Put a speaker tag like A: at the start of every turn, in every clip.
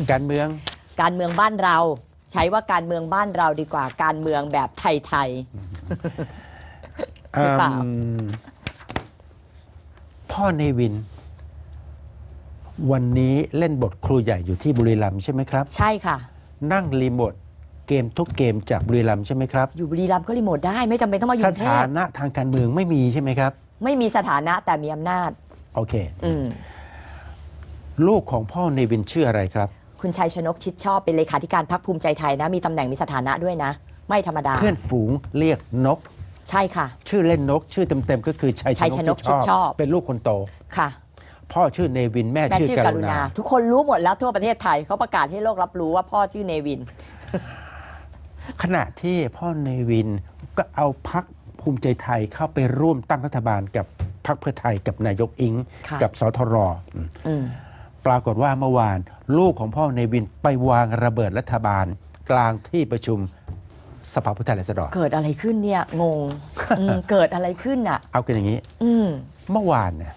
A: การเมือง
B: บ้านเราใช้ว่าการเมืองบ้านเราดีกว่าการเมืองแบบไทยๆหรือเปล่า
A: พ่อเนวินวันนี้เล่นบทครูใหญ่อยู่ที่บุรีรัมย์ใช่ไหมครับ
B: ใช่ค่ะ
A: นั่งรีโมทเกมทุกเกมจากบุรีรัมย์ใช่ไหมครับ
B: อยู่บุรีรัมย์ก็รีโมทได้ไม่จำเป็นต้องมาอยู่กรุงเทพ
A: สถานะทางการเมืองไม่มีใช่ไหมครับ
B: ไม่มีสถานะแต่มีอำนาจ
A: โอเคลูกของพ่อเนวินชื่ออะไรครับ
B: คุณชัยชนกชิดชอบเป็นเลขาธิการพรรคภูมิใจไทยนะมีตำแหน่งมีสถานะด้วยนะไม่ธรรมดา
A: เพื่อนฝูงเรียกนก
B: ใช่ค่ะ
A: ชื่อเล่นนกชื่อเต็มๆก็คือชัยชนกชิดชอบเป็นลูกคนโต
B: ค่ะ
A: พ่อชื่อเนวินแม่ชื่อกรุณา
B: ทุกคนรู้หมดแล้วทั่วประเทศไทยเขาประกาศให้โลกรับรู้ว่าพ่อชื่อเนวิน
A: ขณะที่พ่อเนวินก็เอาพรรคภูมิใจไทยเข้าไปร่วมตั้งรัฐบาลกับพรรคเพื่อไทยกับนายกอิงกับสทรปรากฏว่าเมื่อวานลูกของพ่อเนวินไปวางระเบิดรัฐบาลกลางที่ประชุมสภาผู้แทนราษฎร
B: เกิดอะไรขึ้นเนี่ยงง เกิดอะไรขึ้นอ่ะ
A: เอากันอย่างนี้เมื่อวานเนี่ย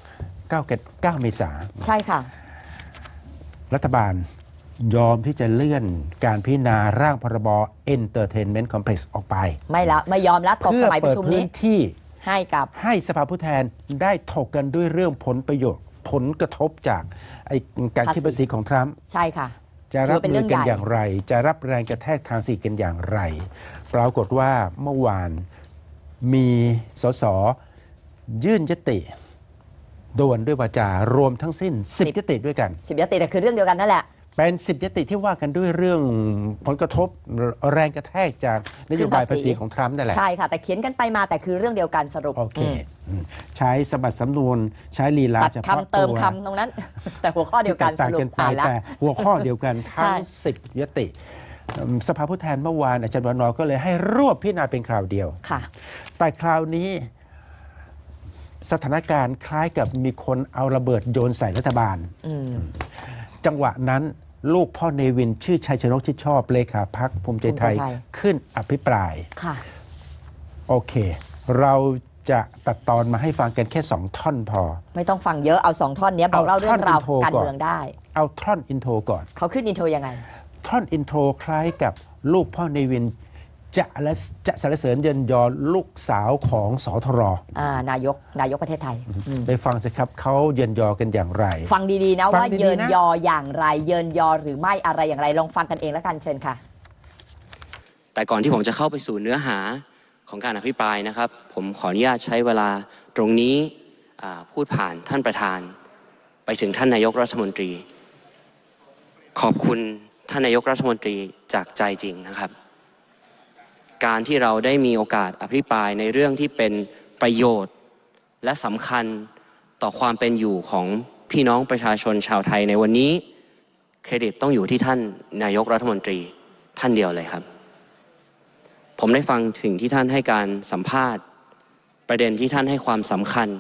A: 9 เมษายน
B: ใช่ค่ะ
A: รัฐบาลยอมที่จะเลื่อนการพิจารณาร่างพรบ Entertainment Complex ออกไป
B: ไม่ยอมแล้วตกสมัยประชุมนี้
A: เพื่อเปิดพื้นที่
B: ให้
A: สภาผู้แทนได้ถกกันด้วยเรื่องผลประโยชน์ผลกระทบจากการคิดภาษีของทรัมป์
B: ใช่ค่ะ
A: จะรับมือกันอย่างไรจะรับแรงกระแทกทางเศรษฐกิจกันอย่างไรปรากฏว่าเมื่อวานมีสสยื่นยติด่วนด้วยวาจารวมทั้งสิ้น10 ยติด้วยกัน
B: 10 ยติแต่คือเรื่องเดียวกันนั่นแหละ
A: เป็น10 ยติที่ว่ากันด้วยเรื่องผลกระทบแรงกระแทกจากนโยบายภาษีของทรัมป์นั่นแหละ
B: ใช่ค่ะแต่เขียนกันไปมาแต่คือเรื่องเดียวกันสรุป
A: โอเคใช้สมบัติสำนวนใช้ลีลา
B: เฉพาะตัวเติมคำตรงนั้นแต่หัวข้อเดียวกันสรุป
A: อ่านแล้วแต่หัวข้อเดียวกันทั้ง10 ยติสภาผู้แทนเมื่อวานอาจารย์วันนอก็เลยให้รวบพิจารณาเป็นคราวเดียว
B: ค่ะ
A: แต่คราวนี้สถานการณ์คล้ายกับมีคนเอาระเบิดโยนใส่รัฐบาลจังหวะนั้นลูกพ่อเนวินชื่อชัยชนกชิดชอบเลขาพรรคภูมิใจไทยขึ้นอภิปรายโอเคเราจะตัดตอนมาให้ฟังกันแค่2 ท่อนพอ
B: ไม่ต้องฟังเยอะเอา2 ท่อนนี้บอกเล่าเรื่องราวการเมืองได้
A: เอาท่อนอินโทรก่อน
B: เขาขึ้นอินโทรยังไง
A: ท่อนอินโทรคล้ายกับลูกพ่อเนวินจะสรรเสริญเยินยอลูกสาวของสทร
B: นายกประเทศไทย
A: ไปฟังสิครับเขาเยินยอกันอย่างไร
B: ฟังดีๆนะว่าเยินยออย่างไรเยินยอหรือไม่อะไรอย่างไรลองฟังกันเองแล้วกันเชิญค่ะ
C: แต่ก่อนที่ผมจะเข้าไปสู่เนื้อหาของการอภิปรายนะครับผมขออนุญาตใช้เวลาตรงนี้พูดผ่านท่านประธานไปถึงท่านนายกรัฐมนตรีขอบคุณท่านนายกรัฐมนตรีจากใจจริงนะครับการที่เราได้มีโอกาสอภิปรายในเรื่องที่เป็นประโยชน์และสำคัญต่อความเป็นอยู่ของพี่น้องประชาชนชาวไทยในวันนี้เครดิตต้องอยู่ที่ท่านนายกรัฐมนตรีท่านเดียวเลยครับผมได้ฟังสิ่งที่ท่านให้การสัมภาษณ์ประเด็นที่ท่านให้ความสำคัญ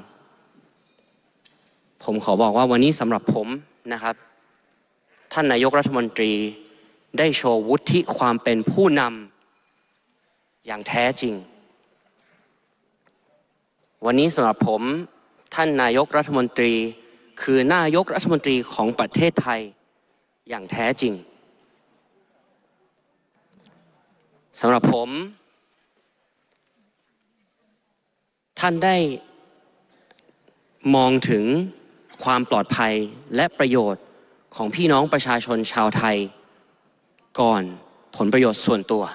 C: ผมขอบอกว่าวันนี้สำหรับผมนะครับท่านนายกรัฐมนตรีได้โชว์วุฒิความเป็นผู้นำอย่างแท้จริงวันนี้สำหรับผมท่านนายกรัฐมนตรีคือนายกรัฐมนตรีของประเทศไทยอย่างแท้จริงสำหรับผมท่านได้มองถึงความปลอดภัยและประโยชน์ของพี่น้องประชาชนชาวไทยก่อนผลประโยชน์ส่วนตัว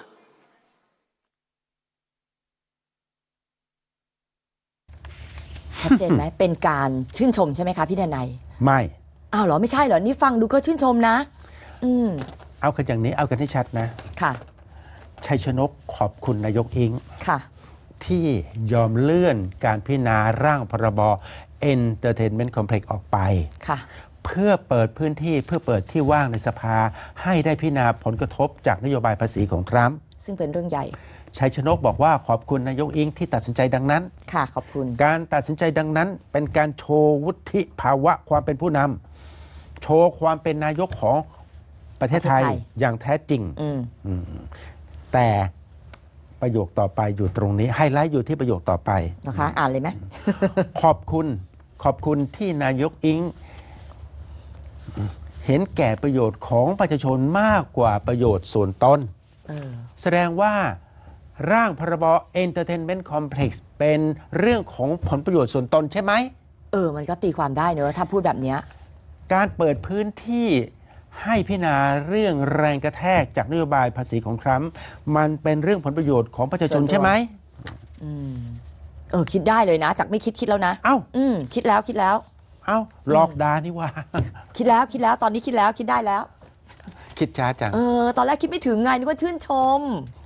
B: ชัดเจนไหมเป็นการชื่นชมใช่ไหมคะพี่ดนัย
A: ไม่
B: อ้าวเหรอไม่ใช่เหรอนี่ฟังดูก็ชื่นชมนะ
A: เอากันอย่างนี้เอากันให้ชัดนะ
B: ค่ะ
A: ชัยชนกขอบคุณนายกอิง
B: ค่ะ
A: ที่ยอมเลื่อนการพิจารณาร่างพรบ Entertainment Complex ออกไป
B: ค่ะ
A: เพื่อเปิดพื้นที่เพื่อเปิดที่ว่างในสภาให้ได้พิจารณาผลกระทบจากนโยบายภาษีของทรัมป์
B: ซึ่งเป็นเรื่องใหญ่
A: ชัยชนกบอกว่าขอบคุณนายกอิงที่ตัดสินใจดังนั้น
B: ค่ะขอบคุณ
A: การตัดสินใจดังนั้นเป็นการโชว์วุฒิภาวะความเป็นผู้นำโชว์ความเป็นนายกของประเทศไทยอย่างแท้จริงแต่ประโยคต่อไปอยู่ตรงนี้ไฮไลท์อยู่ที่ประโยคต่อไป
B: นะคะอ่านเลยไหม
A: ขอบคุณที่นายกอิงเห็นแก่ประโยชน์ของประชาชนมากกว่าประโยชน์ส่วนตน แสดงว่าร่างพรบ Entertainment Complex เป็นเรื่องของผลประโยชน์ส่วนตนใช่ไหม
B: มันก็ตีความได้เนอะถ้าพูดแบบเนี้ย
A: การเปิดพื้นที่ให้พิจารณาเรื่องแรงกระแทกจากนโยบายภาษีของทรัมป์มันเป็นเรื่องผลประโยชน์ของประชาชนใช่ไหม
B: คิดได้เลยนะ จากไม่คิดแล้วนะ
A: เอ้า
B: คิดแล้ว
A: เอ้าหลอกดานี่ว่า
B: คิดแล้วตอนนี้คิดได้แล้ว
A: คิดช้าจัง
B: ตอนแรกคิดไม่ถึงไงนึกว่าชื่นชม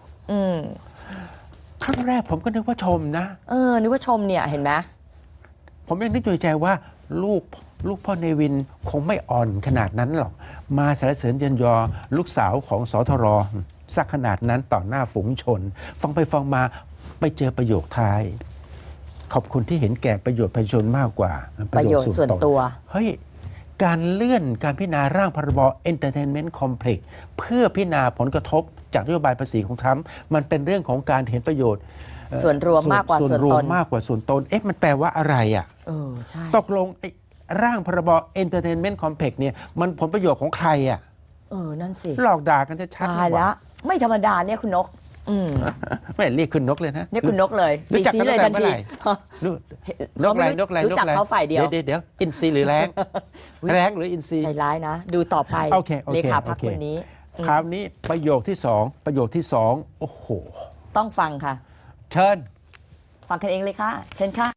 A: ครั้งแรกผมก็นึกว่าชมนะ
B: นึกว่าชมเนี่ยเห็นไหม
A: ผมยังนึกอยู่ในใจว่าลูกพ่อเนวินคงไม่อ่อนขนาดนั้นหรอก มาสรรเสริญเยินยอลูกสาวของสทรสักขนาดนั้นต่อหน้าฝูงชน ฟังไปฟังมาไปเจอประโยคท้าย ขอบคุณที่เห็นแก่ประโยชน์ประชาชนมากกว่า
B: ประโยชน์ส่วนตัว
A: เฮ้ย การเลื่อนการพิจารณาร่างพรบ Entertainment Complex เพื่อพิจารณาผลกระทบจากนโยบายภาษีของทรัมป์มันเป็นเรื่องของการเห็นประโยชน์
B: ส่วนรวมมากกว่าส่วน
A: รว
B: ต
A: ม
B: น
A: มากกว่าส่วนตน มันแปลว่าอะไรอ่ะ
B: ใช่
A: ตกลงไอ้ร่างพรบ Entertainment Complex เนี่ยมันผลประโยชน์ของใครอ่ะ
B: นั่นสิ
A: หลอกด่ากันจะชัด
B: ตายแล้ว ไม่ธรรมดาเนี่ยคุณนก
A: ไม่เรียกคุณนกเลยนะ
B: เนี่ยคุณนกเลย
A: รู้จัก
B: ชี้
A: กัน
B: เลย
A: ตั้
B: ทั
A: ง
B: น
A: แต่เมื่อ
B: ที
A: ไหร่ นกอะไรนกอะไร
B: รู้จักเขาฝ่ายเดียว
A: เดี๋ยวอินทรีหรือแรงแรงหรืออินทรี
B: ใจร้ายนะ ดูต่อไป
A: โอเค
B: เลขาพักคนนี้
A: คราวนี้ประโยคที่สองโอ้โห
B: ต้องฟังค่ะ
A: เชิญ
B: ฟังกันเองเลยค่ะ เชิญค่ะ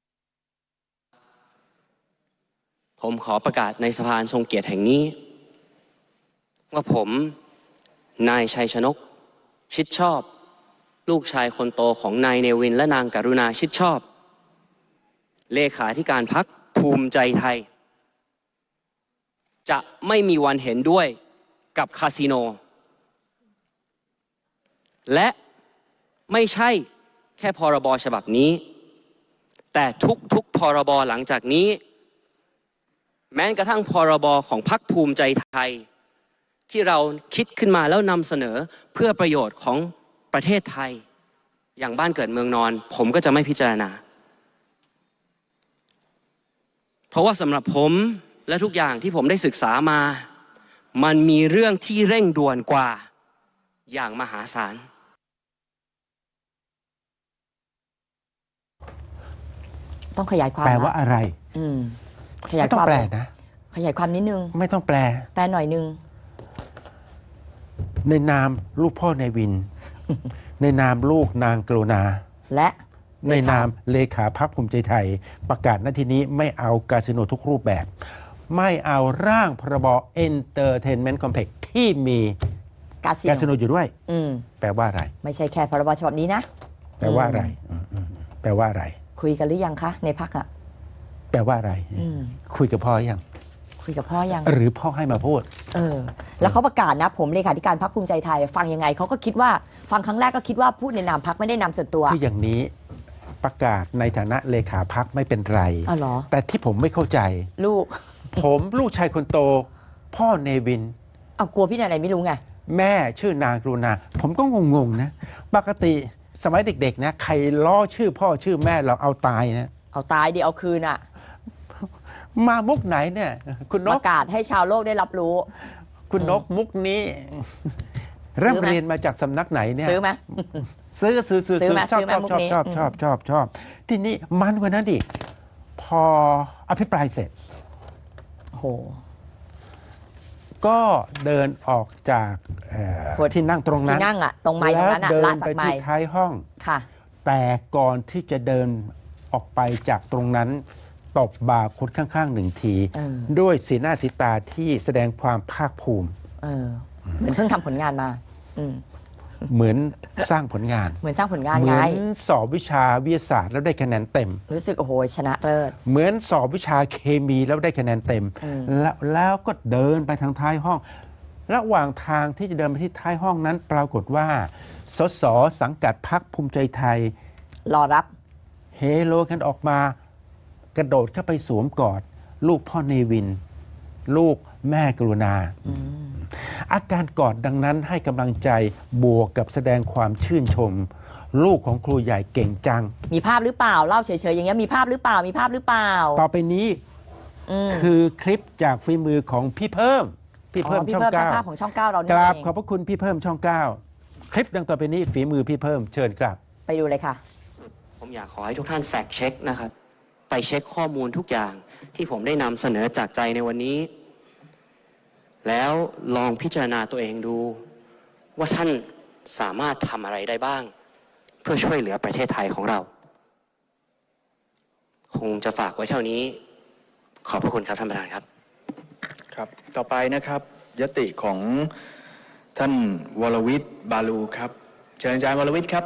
C: ผมขอประกาศในสภาอันทรงเกียรติแห่งนี้ ว่าผมนายชัยชนก ชิดชอบ ลูกชายคนโตของนายเนวินและนางกรุณาชิดชอบ เลขาธิการพรรคภูมิใจไทย จะไม่มีวันเห็นด้วยกับคาสิโน และไม่ใช่แค่พรบฉบับนี้ แต่ทุกพรบหลังจากนี้ แม้กระทั่งพรบของพรรคภูมิใจไทย ที่เราคิดขึ้นมาแล้วนำเสนอเพื่อประโยชน์ของประเทศไทย อย่างบ้านเกิดเมืองนอน ผมก็จะไม่พิจารณา เพราะว่าสำหรับผมและทุกอย่างที่ผมได้ศึกษามา มันมีเรื่องที่เร่งด่วนกว่าอย่างมหาศาล
B: ต้องขยายความ
A: แปลว่าอะไร
B: ขยาย
A: ไม่ต้อ
B: ควาง ม
A: แปลนะ
B: ขยายความนิดนึง
A: ไม่ต้องแปล
B: แปลหน่อยนึง
A: ในนามลูกพ่อเนวิน ในนามลูกนางกรุณา
B: และ
A: ในนามเลขาพรรคภูมิใจไทย ประกาศณที่นี้ไม่เอาคาสิโนทุกรูปแบบ ไม่เอาร่างพรบ Entertainment Complex ที่มี
B: กา
A: คาสิ
B: สิ
A: โน
B: โน
A: อยู่ด้วย แปลว่าอะไร
B: ไม่ใช่แค่พรบฉบับนี้นะ
A: แปลว่าอะไรแปลว่าอะไร
B: คุยกันหรือยังคะในพักอ่ะ
A: แปลว่าอะไร คุยกับพ่อยัง
B: คุยกับพ่อยัง
A: หรือพ่อให้มาพูด
B: แล้วเขาประกาศนะ ผมเลขาธิการพรรคภูมิใจไทย ฟังยังไงเขาก็คิดว่าฟังครั้งแรกก็คิดว่าพูดในนามพรรคไม่ได้นามส่วนตัว
A: คืออย่างนี้ประกาศในฐานะเลขาพรรคไม่เป็นไร
B: อ๋อเหรอ
A: แต่ที่ผมไม่เข้าใจ
B: ลูก
A: ผมลูกชายคนโต พ่อเนวิน
B: เอากลัวพี่ไหนไม่รู้ไง
A: แม่ชื่อนางกรุณา ผมก็งงๆนะ ปกติสมัยเด็กๆนะใครล้อชื่อพ่อชื่อแม่เราเอาตายนะ
B: เอาตายดิเอาคืนอ่ะ
A: มามุกไหนเนี่ย คุณน
B: ป
A: ก
B: ระกาศให้ชาวโลกได้รับรู้
A: คุณนกมุกนี้ร่ำเรียนมาจากสำนักไหนเนี่ย
B: ซื้อไหม
A: ซื้อ
B: ซื้อไหม
A: ชอบ
B: ซื้อไหม
A: ชอบ
B: มุก
A: ชอบ
B: นี้
A: ชอบชอบชอบชอบทีนี้มันกว่านั้นดิพออภิปรายเสร็จ
B: โอ้โห
A: ก็เดินออกจากที่นั่งตรงนั้น
B: ที่นั่งอ่ะตรงไม้ตรงนั้นอ่ะ
A: แล้วเดิ
B: ละ
A: น
B: จา
A: ไป
B: กไม้
A: ที่ท้ายห้อง
B: ค่ะ
A: แต่ก่อนที่จะเดินออกไปจากตรงนั้นตบบ่าคนข้างๆหนึ่งที ด้วยสีหน้าสีตาที่แสดงความภาคภูมิ
B: เหมือนเพิ่งทำผลงานมา
A: เหมือนสร้างผลงาน
B: เหมือนสร้างผลงาน
A: เหมื
B: ไง
A: อนสอบวิชาวิทยาศาสตร์แล้วได้คะแนนเต็ม
B: รู้สึกโอ้โหชนะเลิศ
A: เหมือนสอบวิชาเคมีแล้วได้คะแนนเต็ม แล้วก็เดินไปทางท้ายห้อง ระหว่างทางที่จะเดินไปที่ท้ายห้องนั้น ปรากฏว่าสสสังกัดพรรคภูมิใจไทย
B: รอรับ
A: เฮโลกันออกมากระโดดเข้าไปสวมกอด ลูกพ่อเนวิน ลูกแม่กรุณา อาการกอดดังนั้นให้กำลังใจบวกกับแสดงความชื่นชม ลูกของครูใหญ่เก่งจัง
B: มีภาพหรือเปล่าเล่าเฉยๆอย่างเงี้ยมีภาพหรือเปล่ามีภาพหรือเปล่า
A: ต่อไปนี้คือคลิปจากฝีมือของพี่เพิ่มพี่เพิ่ม
B: พี่
A: ช่อง
B: เพิ่มช่าง
A: 9
B: ภาพของช่อง 9 เรา
A: ก
B: นี่
A: ราบ
B: เอง
A: ขอบพระคุณพี่เพิ่มช่อง 9 คลิปดังต่อไปนี้ฝีมือพี่เพิ่มเชิญครับ
B: ไปดูเลยค่ะ
C: ผมอยากขอให้ทุกท่านแฟกเช็คนะครับ ไปเช็คข้อมูลทุกอย่างที่ผมได้นำเสนอจากใจในวันนี้ แล้วลองพิจารณาตัวเองดู ว่าท่านสามารถทำอะไรได้บ้าง เพื่อช่วยเหลือประเทศไทยของเรา คงจะฝากไว้เท่านี้ ขอบพระคุณครับท่านประธานครับ
D: ครับต่อไปนะครับยติของท่านวรวิทย์บาลูครับเชิญอาจารย์วรวิทย์ครับ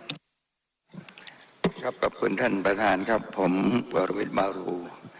E: ครับขอบคุณท่านประธานครับผมวรวิทย์มารู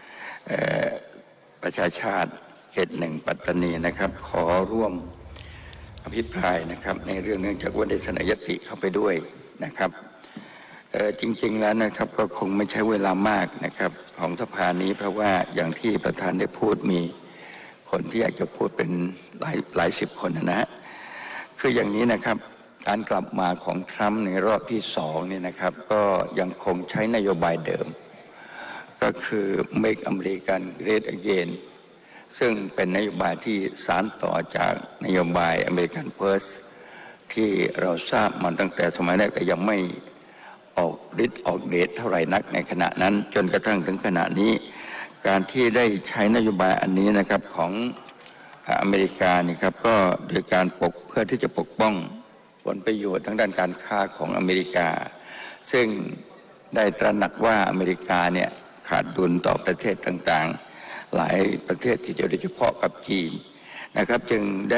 E: ประชาชาติเขต 1 ปัตตานีนะครับขอร่วมอภิปรายนะครับในเรื่องเนื่องจากว่าได้เสนอยติเข้าไปด้วยนะครับจริงๆแล้วนะครับก็คงไม่ใช้เวลามากนะครับของสภานี้เพราะว่าอย่างที่ประธานได้พูดมีคนที่อยากจะพูดเป็นหลายสิบคนนะฮะคืออย่างนี้นะครับการกลับมาของทรัมป์ในรอบที่2เนี่ยนะครับก็ยังคงใช้นโยบายเดิมก็คือ Make America Great Again ซึ่งเป็นนโยบายที่สานต่อจากนโยบาย American First ที่เราทราบมาตั้งแต่สมัยแรกแต่ยังไม่ออกฤทธิ์ออกเดชเท่าไหร่นักในขณะนั้นจนกระทั่งถึงขณะนี้การที่ได้ใช้นโยบายอันนี้นะครับของอเมริกานี่ครับก็โดยการเพื่อที่จะปกป้องผลประโยชน์ทางด้านการค้าของอเมริกาซึ่งได้ตระหนักว่าอเมริกาเนี่ยขาดดุลต่อประเทศต่างๆหลายประเทศที่โดยเฉพาะกับจีนนะครับจึงได้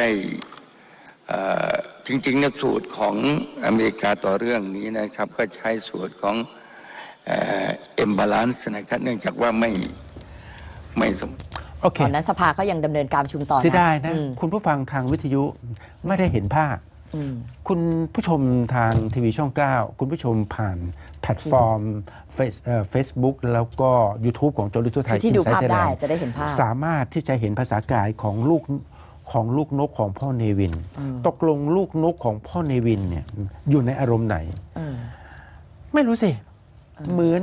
E: จริงๆเนี่ยสูตรของอเมริกาต่อเรื่องนี้นะครับก็ใช้สูตรของimbalance นะครับเนื่องจากว่าไม่สม
A: โอเค
B: ตอนนั้นสภาก็ยังดำเนินการประชุมต่อนะ
A: เสียดายนะ
B: อืม
A: คุณผู้ฟังทางวิทยุไม่ได้เห็นภาพ
B: อืม
A: คุณผู้ชมทางทีวีช่อง 9 คุณผู้ชมผ่านแพลตฟอร์มFacebook แล้วก็ YouTube ของโจลิทุไทย
B: ที่ดูภาพ
A: Inside
B: ได้
A: Thailand
B: จะได้เห็นภาพ
A: สามารถที่จะเห็นภาษากายของลูกนกของพ่อเนวิน ตกลงลูกนกของพ่อเนวินเนี่ยอยู่ในอารมณ์ไหน ไม่รู้สิ เหมื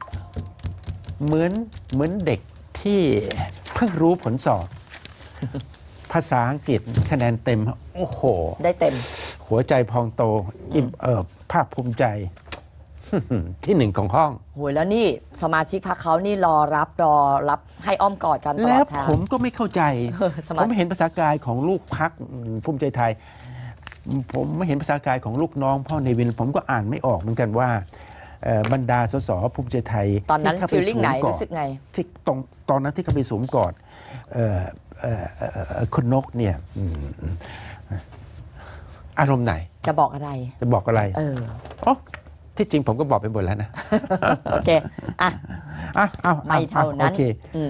A: อนเด็กที่เพิ่งรู้ผลสอบ ภาษาอังกฤษคะแนนเต็ม โอ้โห
B: ได้เต็ม
A: หัวใจพองโต อิ่มเอิบภาคภูมิใจ ที่หนึ่งของห้อง
B: โหยแล้วนี่สมาชิกพรรคเขานี่รอรับให้อ้อมกอดกันตล
A: แล้
B: อ
A: ว
B: ดทาง
A: ผมก็ไม่เข้าใจ
B: สมาชิก
A: ผมเห็นภาษากายของลูกพักภูมิใจไทย ผมไม่เห็นภาษากายของลูกน้องพ่อเนวิน ผมก็อ่านไม่ออกเหมือนกันว่าบรรดาสสภูมิใจไทย
B: ตอนนั้น
A: ที่เข้า
B: ฟี
A: ไป
B: ลลิ่งไหน
A: สวมกอด
B: รู้สึกไง
A: ที่ตอนนั้นที่เขาไปสวมกอดคุณนกเนี่ยอารมณ์ไหน
B: จะบอกอะไร
A: จะบอกอะไร อ๋อที่จริงผมก็บอกไปหมดแล้วนะ
B: โอเค อ่ะ
A: เอา
B: ไม่เท่านั้น
A: โอเค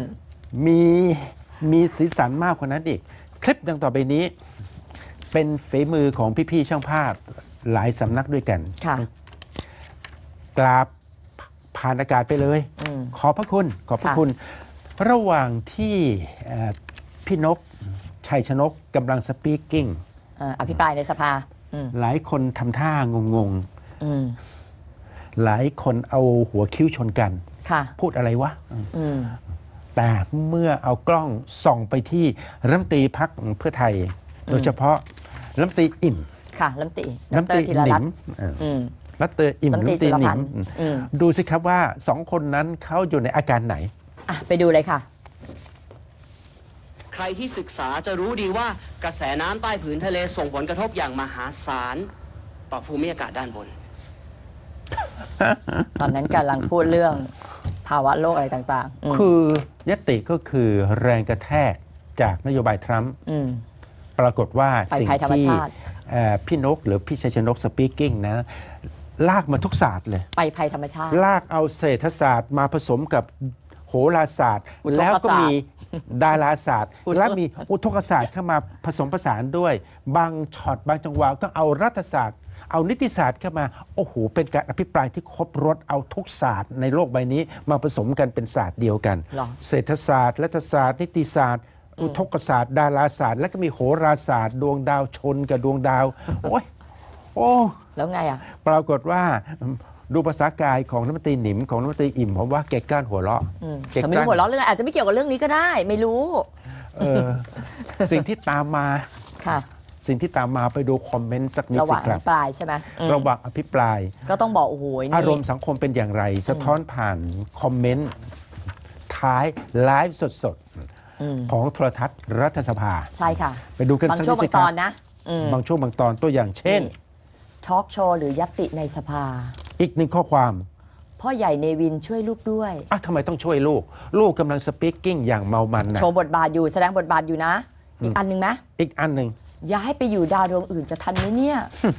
A: มีสีสันมากกว่านั้นอีก คลิปดังต่อไปนี้ เป็นฝีมือของพี่ๆช่างภาพหลายสำนักด้วยกัน
B: ค่ะ
A: กราบผ่านอากาศไปเลย ขอบพระคุณ ระหว่างที่พี่นกชัยชนกกำลังสปีกกิ้ง
B: อภิปรายในสภา
A: หลายคนทำท่างง
B: อืม
A: หลายคนเอาหัวคิ้วชนกัน
B: ค่ะ
A: พูดอะไรวะ แต่เมื่อเอากล้องส่องไปที่รัฐมนตรีพรรคเพื่อไทย โดยเฉพาะรัฐมนตรีอิ่ม
B: ค่ะรัฐมนตรี
A: รัฐมนตรี
B: ธีร
A: หนิ
B: รัต
A: ม
B: น์อืม
A: รัฐมนตรีอิ่ม
B: รั
A: รั
B: ฐ
A: ฐ
B: ม
A: ม
B: น
A: น
B: ตรี
A: ตรีหนิ
B: จุลพั
A: ม
B: นธ์อืม
A: ดูสิครับว่าสองคนนั้นเขาอยู่ในอาการไหน
B: อ่ะไปดูเลยค่ะ
C: ใครที่ศึกษาจะรู้ดีว่ากระแสน้ำใต้ผืนทะเลส่งผลกระทบอย่างมหาศาลต่อภูมิอากาศด้านบน
B: ตอนนั้นกำลังพูดเรื่องภาวะโลกอะไรต่างๆ
A: คือยติก็คือแรงกระแทกจากนโยบายทรัมป์
B: ม
A: ปรากฏว่า
B: ไป
A: สิ่ง
B: ภัยธรรม
A: ที่
B: ชาติ
A: พี่นกหรือพี่ชัยชนกสปีกกิ้งนะ ลากมาทุกศาสตร์เลย
B: ไปภัยธรรมชาติ
A: ลากเอาเศรษฐศาสตร์มาผสมกับโหราศาสตร์
B: อุทกศาสตร์
A: แล้วก็มีดาราศาสตร์
B: อุทก
A: และมีอุทกศาสตร์เข้ามาผสมผสานด้วย บางช็อตบางจังหวะก็เอารัฐศาสตร์ เอานิติศาสตร์เข้ามาโอ้โหเป็นการอภิปรายที่ครบรสเอาทุกศาสตร์ในโลกใบนี้มาผสมกันเป็นศาสตร์เดียวกัน
B: เหรอ
A: เศรษฐศาสตร์รัฐศาสตร์นิติศาสตร์ อุทกศาสตร์ดาราศาสตร์ และก็มีโหราศาสตร์ ดวงดาวชนกับดวงดาว โอ้ยโอ้
B: แล้วไงอ่ะ
A: ปรากฏว่าดูภาษากายของรัฐมนตรีหนิมของรัฐมนตรีอิ่มผมว่าแกกล้านหัวเราะแก
B: แต่ไม่รู้หัวเราะเรื่องอะไรอาจจะไม่เกี่ยวกับเรื่องนี้ก็ได้ ไม่รู้
A: เออ สิ่งที่ตามมา
B: ค่ะ
A: สิ่งที่ตามมาไปดูคอมเมนต์สักนิด
B: ระห
A: สิ
B: ว่าง
A: ครับ
B: ปลายใช่ไหมอืม
A: ระหว่างอภิปราย
B: ก็ต้องบอกโอ้โหนี่
A: อารมณ์สังคมเป็นอย่างไร สะท้อนผ่านคอมเมนต์ท้ายไลฟ์สด
B: อืม
A: ๆของโทรทัศน์รัฐสภา
B: ใช่ค่ะ
A: ไปดูกัน
B: บาง
A: สัก
B: ช่
A: นิ
B: วง
A: ด
B: บา
A: สิ
B: ง
A: ค
B: ต
A: รั
B: อบ นนะอืม
A: บางช่วงบางตอนตัวอย่างเช่น
B: ทอล์กโชว์หรือยัตติในสภา
A: อีกหนึ่งข้อความ
B: พ่อใหญ่เนวินช่วยลูกด้วย
A: ทำไมต้องช่วยลูก ลูกกำลังสปีกกิ้งอย่างเมามันนะ
B: โชว์บทบาทอยู่แสดงบทบาทอยู่นะ อีกอันหนึ่งไหม
A: อีกอันหนึ่ง
B: ย้ายไปอยู่ดาวดวงอื่นจะทันไหมเนี่ย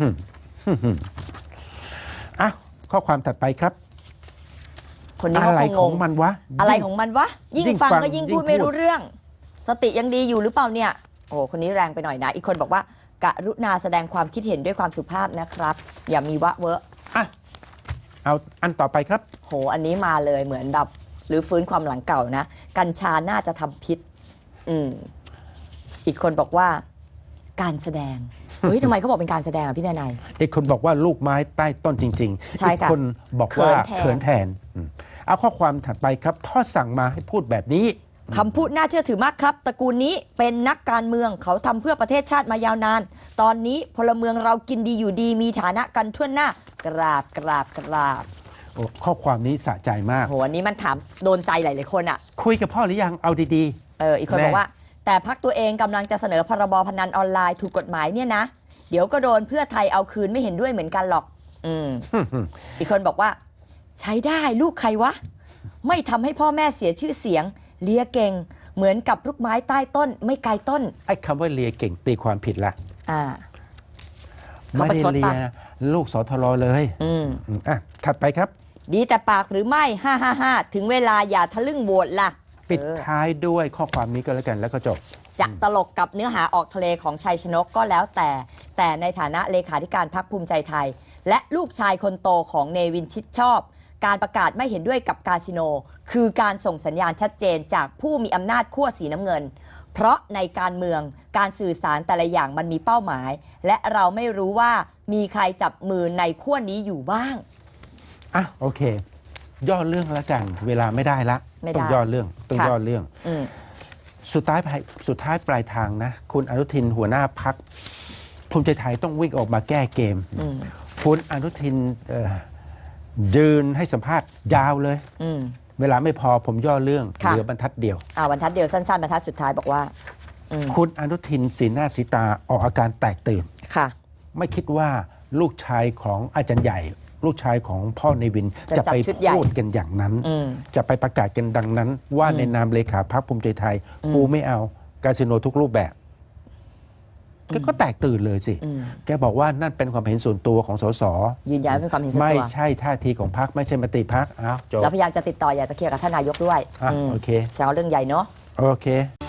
A: อ่ะข้อความถัดไปครับ
B: คนนี้
A: อะ
B: เขา
A: ไร
B: คง
A: ของ
B: ง
A: มันวะ
B: อะไรของมันวะ ยิ่ง
A: ยิ่ง
B: ฟัง
A: ฟัง
B: ก็ยิ่ง
A: ยิ่ง
B: พูดไม่
A: พูด
B: รู้เรื่อง สติยังดีอยู่หรือเปล่าเนี่ย โอ้คนนี้แรงไปหน่อยนะ อีกคนบอกว่ากรุณาแสดงความคิดเห็นด้วยความสุภาพนะครับ อย่ามีวะเวอะ
A: อ่ะเอาอันต่อไปครับ
B: โหอันนี้มาเลยเหมือนแบบหรือฟื้นความหลังเก่านะ กัญชาน่าจะทำพิษ อีกคนบอกว่า การแสดง เฮ้ยทำไมเขาบอกเป็นการแสดงอ่ะพี่นาย
A: อีกคนบอกว่าลูกไม้ใต้ต้นจริงๆ
B: ใช่
A: อีก
B: ค่ะ
A: คนบอกว่า
B: เขิ
A: เขิ
B: น
A: น
B: แท
A: แท
B: น
A: นเอาข้อความถัดไปครับพ่อสั่งมาให้พูดแบบนี้
B: คำพูดน่าเชื่อถือมากครับ ตระกูลนี้เป็นนักการเมืองเขาทำเพื่อประเทศชาติมายาวนาน ตอนนี้พลเมืองเรากินดีอยู่ดีมีฐานะกันทั่วหน้ากราบกราบกราบ
A: โอ้ข้อความนี้สะใจมาก
B: โหอันนี้มันถามโดนใจหลายๆคนอ่ะ
A: คุยกับพ่อหรือยังเอาดี
B: อีกคน
A: แน่
B: บอกว่า แต่พักตัวเองกำลังจะเสนอพรบพนันออนไลน์ถูกกฎหมายเนี่ยนะ เดี๋ยวก็โดนเพื่อไทยเอาคืนไม่เห็นด้วยเหมือนกันหรอก
A: ๆ
B: อีกคนบอกว่า ใช้ได้ลูกใครวะ ไม่ทำให้พ่อแม่เสียชื่อเสียง เลียเก่ง เหมือนกับลูกไม้ใต้ต้น ไม่ไกลต้น
A: ไอ้คำว่าเลียเก่งตีความผิดละ
B: อ่า เขา
A: ไม่
B: ประ
A: ได้
B: ชด
A: เลี
B: ปะ
A: ยลูกสทรเลย
B: อืม
A: อ่ะถัดไปครับ
B: ดีแต่ปากหรือไม่555ถึงเวลาอย่าทะลึ่งโหวตล่ะ
A: ปิดท้ายด้วยข้อความนี้ก็แล้วกันแล้วก็จบ
B: จะตลกกับเนื้อหาออกทะเลของชัยชนกก็แล้วแต่ในฐานะเลขาธิการพรรคภูมิใจไทย และลูกชายคนโตของเนวินชิดชอบ การประกาศไม่เห็นด้วยกับคาสิโน คือการส่งสัญญาณชัดเจนจากผู้มีอำนาจขั้วสีน้ำเงิน เพราะในการเมืองการสื่อสารแต่ละอย่างมันมีเป้าหมาย และเราไม่รู้ว่ามีใครจับมือในขั้วนี้อยู่บ้าง
A: อ่ะโอเค ย่อเรื่องแล้วกัน เวลาไม่ได้ละ
B: ไม่ได้
A: ต้องย่อเรื่องต้อง
B: ค่ะ
A: ย่อเรื่อง
B: อืม
A: สุดท้ายปลายทางนะ คุณอนุทินหัวหน้าพักภูมิใจไทยต้องวิ่งออกมาแก้เกม คุณอนุทินยืนให้สัมภาษณ์ยาวเลย
B: อืม
A: เวลาไม่พอผมย่อเรื่อง
B: ค่ะ
A: เหลือบรรทัดเดียว
B: บรรทัดเดียวสั้นๆบรรทัดสุดท้ายบอกว่า
A: คุณอนุทินสีหน้าสีตาออกอาการแตกตื่น
B: ค่ะ
A: ไม่คิดว่าลูกชายของอาจารย์ใหญ่ ลูกชายของพ่อในวิน
B: จะ
A: จะ
B: จัด
A: ไป
B: ชุดใหญ่
A: พูดกันอย่างนั้น
B: อืม
A: จะไปประกาศกันดังนั้น ว่าในนามเลขาพรรคภูมิใจไทย กูไม่เอาคาสิโนทุกรูปแบบก็แตกตื่นเลยสิ แกบอกว่านั่นเป็นความเห็นส่วนตัวของสส
B: ยืนยันว่าเป็นความเห็นส่วน
A: ไม่
B: ตัว
A: ใช่ท่าทีของพรรคไม่ใช่มติพรรคอ้าวจบ
B: แล้วพยายามจะติดต่ออยากจะเคลียร์กับท่านนายกด้วย
A: โอเค
B: แซวเรื่องใหญ่เนาะ
A: โอเค